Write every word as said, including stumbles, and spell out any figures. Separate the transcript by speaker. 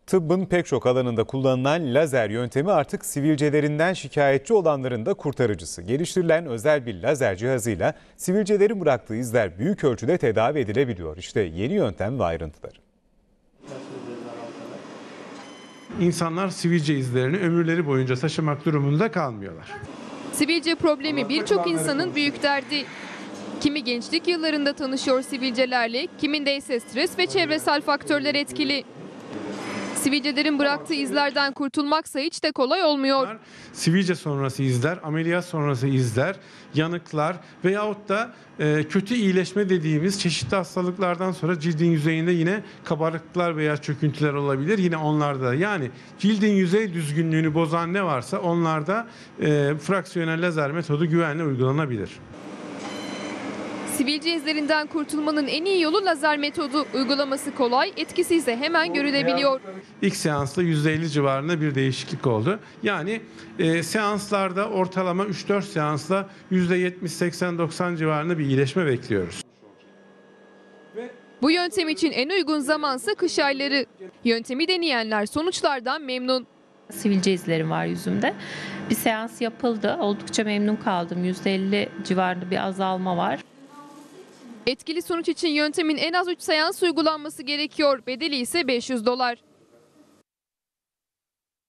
Speaker 1: Tıbbın pek çok alanında kullanılan lazer yöntemi artık sivilcelerinden şikayetçi olanların da kurtarıcısı. Geliştirilen özel bir lazer cihazıyla sivilcelerin bıraktığı izler büyük ölçüde tedavi edilebiliyor. İşte yeni yöntem ve ayrıntıları.
Speaker 2: İnsanlar sivilce izlerini ömürleri boyunca taşımak durumunda kalmıyorlar.
Speaker 3: Sivilce problemi birçok insanın büyük derdi. Kimi gençlik yıllarında tanışıyor sivilcelerle, kiminde ise stres ve çevresel faktörler etkili. Sivilcelerin bıraktığı izlerden kurtulmaksa hiç de kolay olmuyor.
Speaker 2: Sivilce sonrası izler, ameliyat sonrası izler, yanıklar veyahut da e, kötü iyileşme dediğimiz çeşitli hastalıklardan sonra cildin yüzeyinde yine kabarıklıklar veya çöküntüler olabilir. Yine onlarda, yani cildin yüzey düzgünlüğünü bozan ne varsa onlarda e, fraksiyonel lazer metodu güvenle uygulanabilir.
Speaker 3: Sivilce izlerinden kurtulmanın en iyi yolu lazer metodu. Uygulaması kolay, etkisi ise hemen görülebiliyor.
Speaker 2: İlk seansta yüzde elli civarında bir değişiklik oldu. Yani e, seanslarda ortalama üç dört seansla yüzde yetmiş seksen doksan civarında bir iyileşme bekliyoruz.
Speaker 3: Bu yöntem için en uygun zamansa kış ayları. Yöntemi deneyenler sonuçlardan memnun.
Speaker 4: Sivilce izlerim var yüzümde. Bir seans yapıldı. Oldukça memnun kaldım. yüzde elli civarında bir azalma var.
Speaker 3: Etkili sonuç için yöntemin en az üç seans uygulanması gerekiyor. Bedeli ise beş yüz dolar.